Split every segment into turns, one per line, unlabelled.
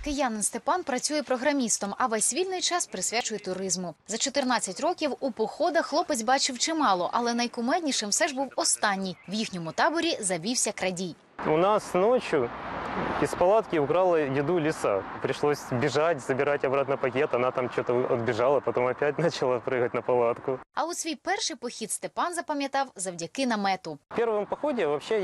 Киянин Степан працює програмістом, а весь вільний час присвячує туризму. За 14 років у походах хлопець бачив чимало, але найкумеднішим все ж був останній. В їхньому таборі завівся крадій.
У нас ночью из палатки украла еду лиса. Пришлось бежать, забирать обратно пакет. Она там что-то отбежала, потом опять начала прыгать на палатку.
А от свій перший похід Степан запам'ятав завдяки намету.
В первом походе вообще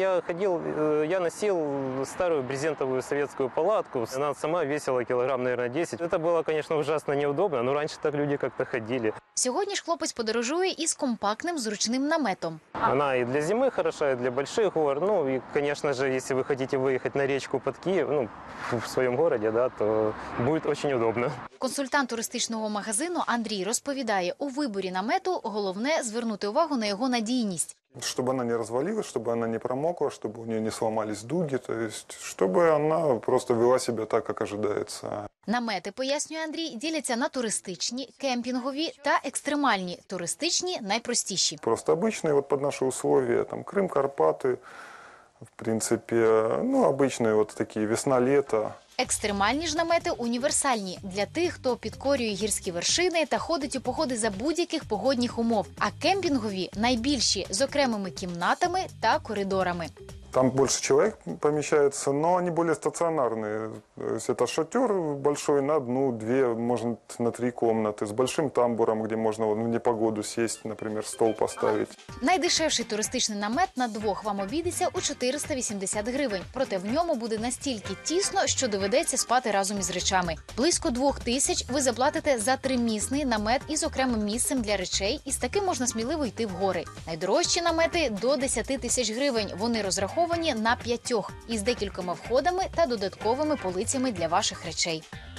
я носил старую брезентовую советскую палатку. Она сама весила килограмм, наверное, 10. Это было, конечно, ужасно неудобно, но раньше так люди как-то ходили.
Сьогодні ж хлопець подорожує із компактним зручним наметом.
Она и для зимы хороша, и для больших гор. Ну и, конечно же, если вы хотите выехать на речку под Киев, в своем городе, да, то будет очень удобно.
Консультант туристичного магазину Андрій розповідає, у виборі намету головне звернути увагу на його надійність.
Чтобы она не развалилась, чтобы она не промокла, чтобы у нее не сломались дуги, то есть, чтобы она просто вела себя так, как ожидается.
Намети, пояснює Андрій, діляться на туристичні, кемпінгові та екстремальні. Туристичні – найпростіші.
Просто обычные вот под наши условия, там Крым, Карпаты, в принципе, обычные вот такие весна-лето.
Екстремальні ж намети універсальні для тих, хто підкорює гірські вершини та ходить у походи за будь-яких погодних умов. А кемпінгові найбільші з окремими кімнатами та коридорами.
Там больше человек помещается, но они более стационарные. То есть это шатер большой на одну, две, может, на 3 комнаты, с большим тамбуром, где можно в непогоду сесть, например, стол поставить.
Найдешевший туристичний намет на двох вам обійдеться у 480 гривень. Проте в ньому буде настільки тісно, що доведеться спати разом із речами. Близько 2000 ви заплатите за 3-місний намет із окремим місцем для речей, і з таким можна сміливо йти в гори. Найдорожчі намети – до 10 000 гривень. Вони розраховані на 5 із декількома входами та додатковими полицями для ваших речей.